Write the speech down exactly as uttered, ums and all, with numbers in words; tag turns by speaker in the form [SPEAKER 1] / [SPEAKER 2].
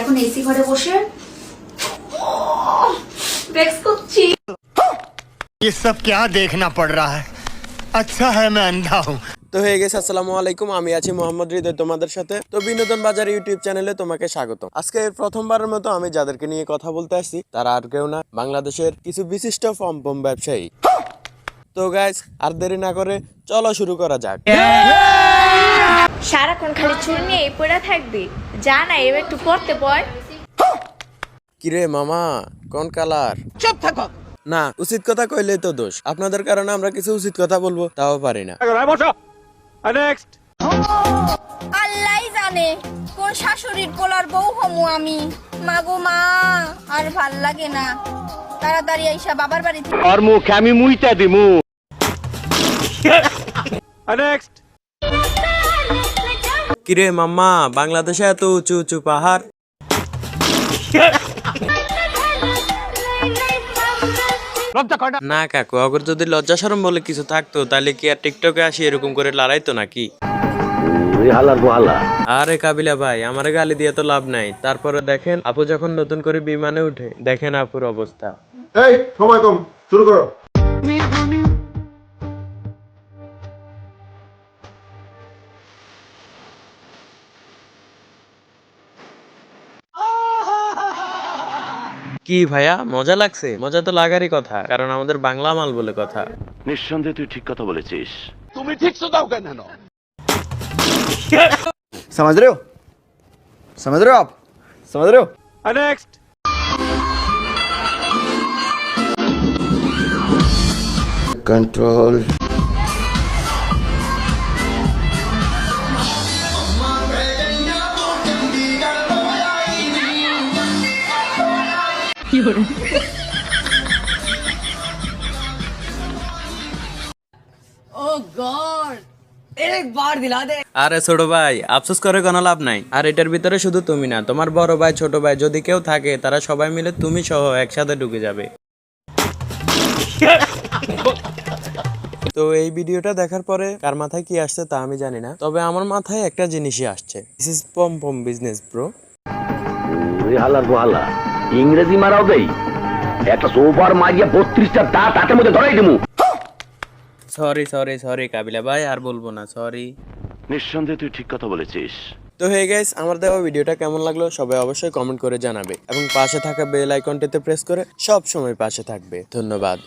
[SPEAKER 1] এখন এসি ঘরে বসে ভেক্স করছি।
[SPEAKER 2] ये सब क्या देखना पड़ रहा है? अच्छा है मैं अंधा हूँ।
[SPEAKER 3] তো হয়ে গেছে, আসসালামু আলাইকুম, আমি আছি মোহাম্মদ হৃদয় তোমাদের সাথে। তো বিনোদন বাজার ইউটিউব চ্যানেলে তোমাকে স্বাগত। আজকে প্রথমবারের মতো আমি যাদেরকে নিয়ে কথা বলতে আসছি তারা আর কেউ না, বাংলাদেশের কিছু বিশিষ্ট পমপম ব্যবসায়ী। তো গাইস, আর দেরি না করে চলো শুরু করা যাক।
[SPEAKER 4] সারাক্ষণ খালি চুল নিয়ে পড়ে থাকবি, যা না এবার একটু পড়তে পড়।
[SPEAKER 3] কিরে মামা, কোন কালার? চুপ থাকো না, উচিত কথা কইলেই তো দোষ। আপনাদের কারণে আমরা কিছু উচিত কথা বলবো, তাও পারি না।
[SPEAKER 5] আল্লাহই জানে কোন শাশুড়ির পোলার বউ হমু আমি। মাগো মা, আর ভাল লাগে না। তাড়াতাড়ি আইসা বাবার বাড়ি থেকে
[SPEAKER 6] আর মুখে আমি মুইতা দিমু। নেক্সট।
[SPEAKER 3] কিরে মাম্মা, বাংলাদেশে এত উঁচু উঁচু পাহাড়। না কাকু, অগর যদি লজ্জা শরম বলে কিছু থাকতো তাহলে কি আর টিকটকে আসি এরকম করে লড়াইতো নাকি? আরে কাবিলা ভাই, আমার গালি দিয়ে তো লাভ নাই। তারপরে দেখেন আপু যখন নতুন করে বিমানে উঠে, দেখেন আপুর অবস্থা।
[SPEAKER 7] এই সময় কম, শুরু করো।
[SPEAKER 3] কি ভাইয়া, মজা লাগছে? মজা তো লাগারই কথা, কারণ আমাদের বাংলা মাল বলে কথা।
[SPEAKER 6] নিঃসন্দেহে তুই ঠিক কথা বলেছিস।
[SPEAKER 7] समझ रहे हो समझ रहे हो आप समझ रहे हो
[SPEAKER 6] নেক্সট।
[SPEAKER 7] कंट्रोल
[SPEAKER 3] আরে ছোট ভাই, আফসোস করে কোনো লাভ নাই। আর এটার ভিতরে শুধু তুমি না, তোমার বড় ভাই ছোট ভাই যদি কেউ থাকে, তারা সবাই মিলে তুমি সহ একসাথে ঢুকে যাবে। তো এই ভিডিওটা দেখার পরে কার মাথায় কি আসছে তা আমি জানি না, তবে আমার মাথায় একটা জিনিসই আসছে। This is pompom business bro.
[SPEAKER 6] হালার গোহালা ইংরেজি মারাও দেই, একটা সোফার মারিয়া বত্রিশটা দাঁত হাতের মধ্যে ধরাই দিমু।
[SPEAKER 3] সরি সরি সরি কাবিলা ভাই, আর বলবো না, সরি।
[SPEAKER 6] নিঃসন্দেহে তুই ঠিক কথা বলেছিস।
[SPEAKER 3] তো হে গাইস, আমার দেওয়া ভিডিওটা কেমন লাগলো সবাই অবশ্যই কমেন্ট করে জানাবে, এবং পাশে থাকা বেল আইকনটিতে প্রেস করে সব সময় পাশে থাকবে। ধন্যবাদ।